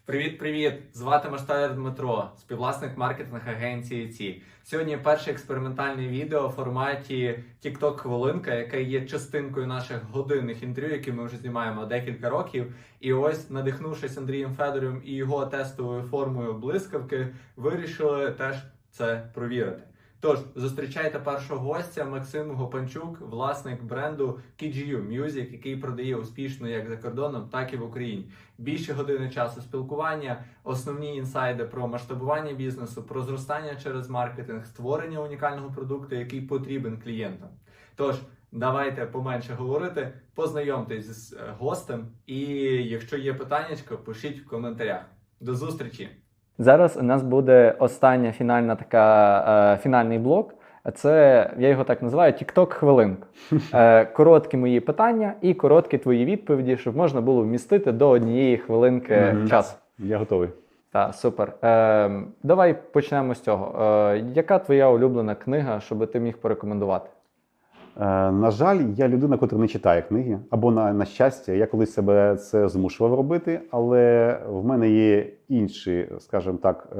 Привіт-привіт! Звати Маштаєр Дмитро, співвласник маркетинг-агенції ЦІ. Сьогодні перше експериментальне відео в форматі TikTok-хвилинка, яке є частинкою наших годинних інтерв'ю, які ми вже знімаємо декілька років. І ось, надихнувшись Андрієм Федором і його тестовою формою блискавки, вирішили теж це провірити. Тож, зустрічайте першого гостя Максим Гопанчук, власник бренду KGU Music, який продає успішно як за кордоном, так і в Україні. Більше години часу спілкування, основні інсайди про масштабування бізнесу, про зростання через маркетинг, створення унікального продукту, який потрібен клієнтам. Тож, давайте поменше говорити, познайомтесь з гостем і якщо є питання, пишіть в коментарях. До зустрічі! Зараз у нас буде остання фінальний блок. Це, я його так називаю, TikTok-хвилинка. Короткі мої питання і короткі твої відповіді, щоб можна було вмістити до однієї хвилинки часу. Я готовий. Так, супер. Давай почнемо з цього. Яка твоя улюблена книга, щоб ти міг порекомендувати? На жаль, я людина, котра не читає книги, або на щастя, я колись себе це змушував робити, але в мене є інші, скажімо так,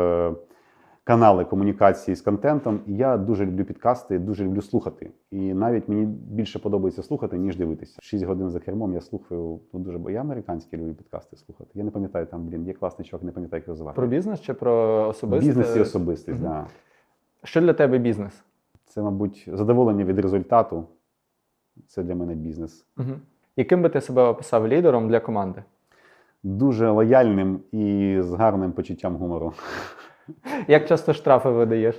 канали комунікації з контентом, і я дуже люблю підкасти, дуже люблю слухати. І навіть мені більше подобається слухати, ніж дивитися. 6 годин за кермом я слухаю я американські люблю підкасти слухати. Я не пам'ятаю, там, є класний чувак, не пам'ятаю, як його звати. Про бізнес чи про особисте? Бізнес і особистість, так. Да. Що для тебе бізнес? Це, мабуть, задоволення від результату. Це для мене бізнес. Угу. Яким би ти себе описав лідером для команди? Дуже лояльним і з гарним почуттям гумору. Як часто штрафи видаєш?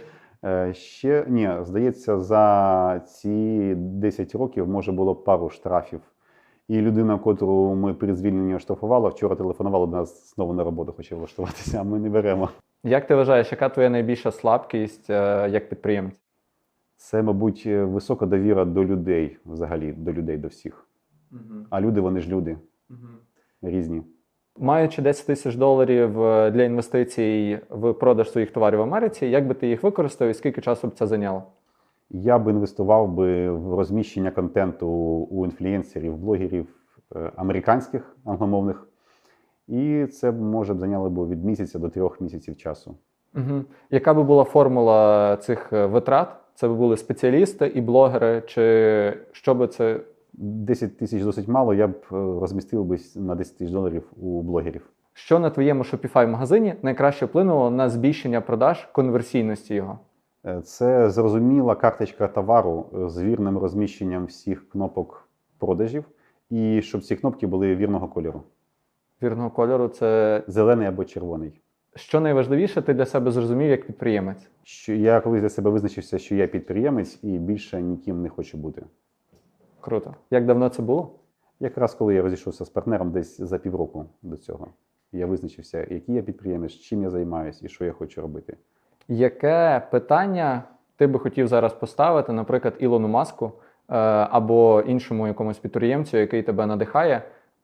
Ні, здається, за ці 10 років, може, було пару штрафів. І людина, котру ми перед звільненням штрафували, вчора телефонувала до нас знову на роботу, хоче влаштуватися, а ми не беремо. Як ти вважаєш, яка твоя найбільша слабкість як підприємця? Це, мабуть, висока довіра до людей, взагалі, до людей, до всіх. А люди, вони ж люди. Різні. Маючи $10 000 для інвестицій в продаж своїх товарів в Америці, як би ти їх використав і скільки часу б це зайняло? Я б інвестував в розміщення контенту у інфлюенсерів, блогерів американських, англомовних. І це, може б, зайняло від місяця до 3 місяців часу. Яка би була формула цих витрат? Це би були спеціалісти і блогери, чи що би це? 10 тисяч досить мало, я б розмістив би на $10 000 у блогерів. Що на твоєму Shopify-магазині найкраще вплинуло на збільшення продаж, конверсійності його? Це зрозуміла карточка товару з вірним розміщенням всіх кнопок продажів і щоб ці кнопки були вірного кольору. Вірного кольору – це? Зелений або червоний. Що найважливіше ти для себе зрозумів як підприємець? Я колись для себе визначився, що я підприємець і більше ніким не хочу бути. Круто. Як давно це було? Якраз коли я розійшовся з партнером десь за півроку до цього. Я визначився, який я підприємець, чим я займаюся і що я хочу робити. Яке питання ти би хотів зараз поставити, наприклад, Ілону Маску або іншому якомусь підприємцю, який тебе надихає?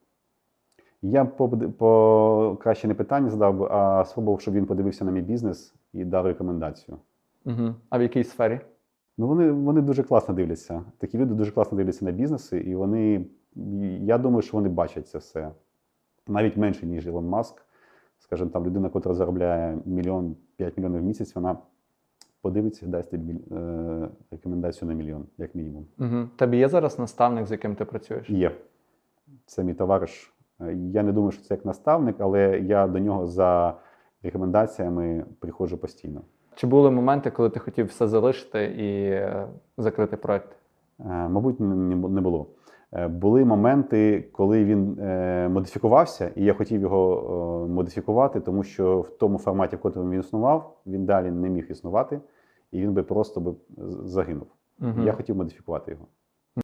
Я краще не питання задав, а спробував, щоб він подивився на мій бізнес і дав рекомендацію. А в якій сфері? Ну, вони дуже класно дивляться. Такі люди дуже класно дивляться на бізнеси, і я думаю, що вони бачать це все. Навіть менше, ніж Ілон Маск. Скажімо, там людина, яка заробляє 5 мільйонів в місяць, вона подивиться і дасть тобі рекомендацію на 1 мільйон, як мінімум. Тобі є зараз наставник, з яким ти працюєш? Є. Це мій товариш. Я не думаю, що це як наставник, але я до нього за рекомендаціями приходжу постійно. Чи були моменти, коли ти хотів все залишити і закрити проект? Мабуть, не було. Були моменти, коли він модифікувався, і я хотів його модифікувати, тому що в тому форматі, в якому він існував, він далі не міг існувати, і він би просто загинув. Я хотів модифікувати його.